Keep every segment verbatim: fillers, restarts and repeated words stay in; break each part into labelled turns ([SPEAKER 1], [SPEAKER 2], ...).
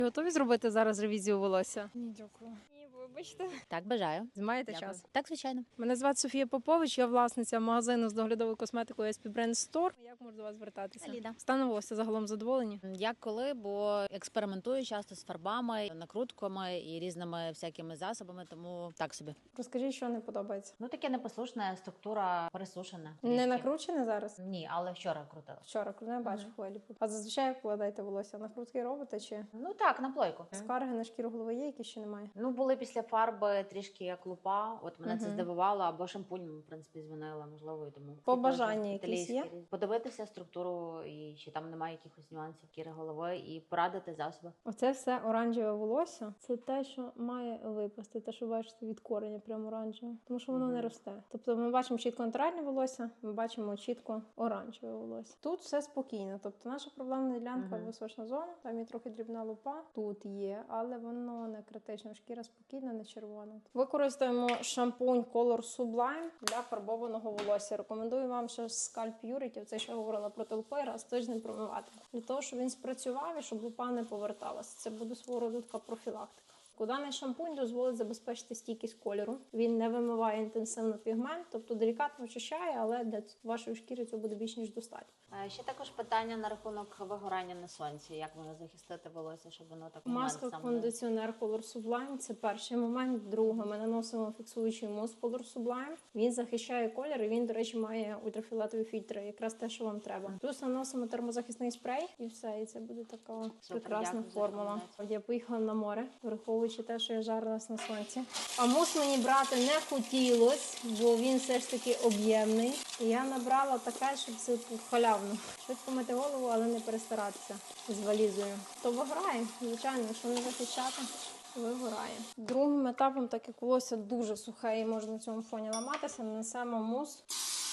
[SPEAKER 1] Готові зробити зараз ревізію волосся?
[SPEAKER 2] Ні, дякую. Ні, вибачте.
[SPEAKER 3] Так, бажаю.
[SPEAKER 1] Маєте
[SPEAKER 3] Дякую.
[SPEAKER 1] час?
[SPEAKER 3] Так, звичайно.
[SPEAKER 1] Мене звати Софія Попович, я власниця магазину з доглядовою косметикою ес пі Brand Store. Як можу до вас звертатися?
[SPEAKER 3] Ліда.
[SPEAKER 1] Станом волосся загалом задоволені?
[SPEAKER 3] Як коли, бо експериментую часто з фарбами, накрутками і різними всякими засобами, тому так собі.
[SPEAKER 1] Розкажіть, що не подобається.
[SPEAKER 3] Ну, таке непослушне, структура пересушена.
[SPEAKER 1] Не
[SPEAKER 3] трішки.
[SPEAKER 1] накручене зараз?
[SPEAKER 3] Ні, але вчора крутила.
[SPEAKER 1] Вчора, коли я бачу
[SPEAKER 3] Мгм.
[SPEAKER 1] хвилі. А зазвичай як вкладаєте волосся? Накрутки робите чи?
[SPEAKER 3] Ну так, на плойку.
[SPEAKER 1] Скарги на шкіру голови є, які ще немає?
[SPEAKER 3] Ну, були після фарби трішки як лупа, от мене це
[SPEAKER 1] Мгм.
[SPEAKER 3] здивувало, або шампунь, в принципі, змінила, можливо, і тому.
[SPEAKER 1] Побажання
[SPEAKER 3] Це
[SPEAKER 1] якісь
[SPEAKER 3] італійські
[SPEAKER 1] є?
[SPEAKER 3] різ- Подивитися структуру, і чи там немає якихось нюансів шкіри голови, і порадити засоби.
[SPEAKER 1] Оце все оранжеве волосся. Це те, що має випасти. Те, що бачите від кореня, прямо оранжеве. Тому що воно
[SPEAKER 3] Мгм.
[SPEAKER 1] не росте. Тобто ми бачимо чітко натуральне волосся, ми бачимо чітко оранжеве волосся. Тут все спокійно. Тобто наша проблемна ділянка
[SPEAKER 3] Мгм.
[SPEAKER 1] височна зона, там є трохи дрібна лупа. Тут є, але воно не критично. Шкіра спокійна, не червона. Використаємо шампунь Color Sublime для фарбованого волосся. Рекомендую вам ще Scalp Purity, це ще говорила про толпи, раз в тиждень промивати. Для того, щоб він спрацював і щоб лупа не поверталася. Це буде свого роду така профілактика. Даний шампунь дозволить забезпечити стійкість кольору. Він не вимиває інтенсивно пігмент, тобто делікатно очищає, але для вашої шкіри цього буде більш ніж достатньо.
[SPEAKER 3] Е, Ще також питання на рахунок вигорання на сонці. Як воно захистити волосся, щоб воно так
[SPEAKER 1] Маска
[SPEAKER 3] момент сам не-
[SPEAKER 1] кондиціонер Color Sublime – це перший момент. Другий, ми наносимо фіксуючий мус Color Sublime. Він захищає колір і він, до речі, має ультрафіолетові фільтри, якраз те, що вам треба. Плюс наносимо термозахисний спрей і все, і це буде така прекрасна
[SPEAKER 3] дякую за
[SPEAKER 1] формула.
[SPEAKER 3] рекомендацію.
[SPEAKER 1] Я поїхала на море, враховуючи те, що я жарилась на сонці. А мус мені брати не хотілось, бо він все ж таки об'ємний. І я набрала таке, щоб це халявно. Швидко мити голову, але не перестаратися з валізою. То виграє, звичайно, якщо не захищати, вигорає. Другим етапом, так як волосся дуже сухе і може на цьому фоні ламатися, нанесемо мус.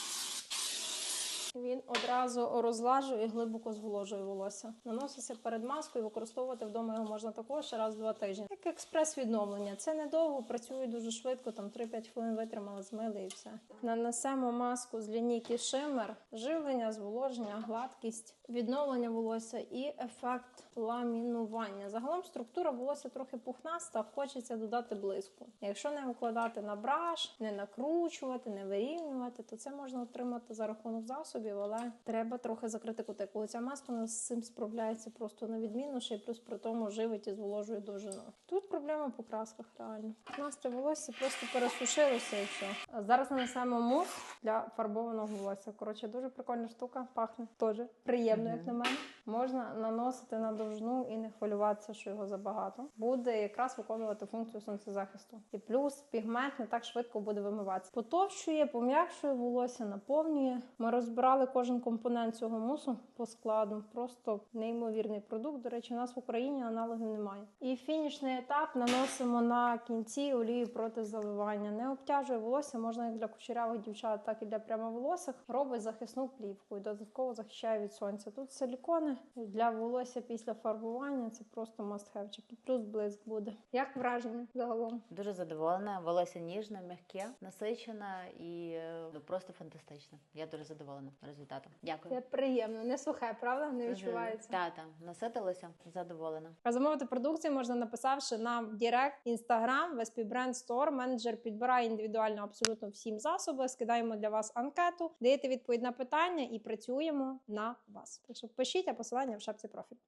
[SPEAKER 1] Він одразу розлажує і глибоко зволожує волосся. Наноситься перед маскою, використовувати вдома його можна також раз в два тижні. Як експрес-відновлення. Це недовго, працює дуже швидко, там три-п'ять хвилин витримали, змили і все. Нанесемо маску з лінійки Shimmer. Живлення, зволоження, гладкість, відновлення волосся і ефект ламінування. Загалом структура волосся трохи пухнаста, хочеться додати блиску. Якщо не викладати на браш, не накручувати, не вирівнювати, то це можна отримати за рахунок засобів, але треба трохи закрити кутику. Ця маска у нас з цим справляється просто на відміну, ще й плюс при тому живить і зволожує довжину. Тут проблема по красках реально. У нас це волосся просто пересушилося і все. А зараз нанесемо мус для фарбованого волосся. Коротше, дуже прикольна штука, пахне теж приємно, як на мене. Можна наносити на довжину і не хвилюватися, що його забагато. Буде якраз виконувати функцію сонцезахисту. І плюс пігмент не так швидко буде вимиватися. Потовщує, пом'якшує волосся, наповнює. Ми розбирали кожен компонент цього мусу по складу. Просто неймовірний продукт. До речі, у нас в Україні аналогів немає. І фінішний етап наносимо на кінці олію проти заливання. Не обтяжує волосся, можна як для кучерявих дівчат, так і для прямоволосих. Робить захисну плівку і додатково захищає від сонця. Тут силікони для волосся після фарбування. Це просто must-have. І плюс блиск буде. Як враження загалом?
[SPEAKER 3] Дуже задоволена. Волосся ніжне, м'яке, насичене і е, ну, просто фантастичне. Я дуже задоволена результатом. Дякую.
[SPEAKER 1] Це приємно, не сухе, правда? Не відчувається.
[SPEAKER 3] Так, так, наситилася, задоволена.
[SPEAKER 1] А замовити продукцію можна, написавши нам в Директ, Інстаграм, в ес пі Brand Store. Менеджер підбирає індивідуально абсолютно всім засоби. Скидаємо для вас анкету, даєте відповідь на питання і працюємо на вас. Так що пишіть, а посилання в шапці профілю.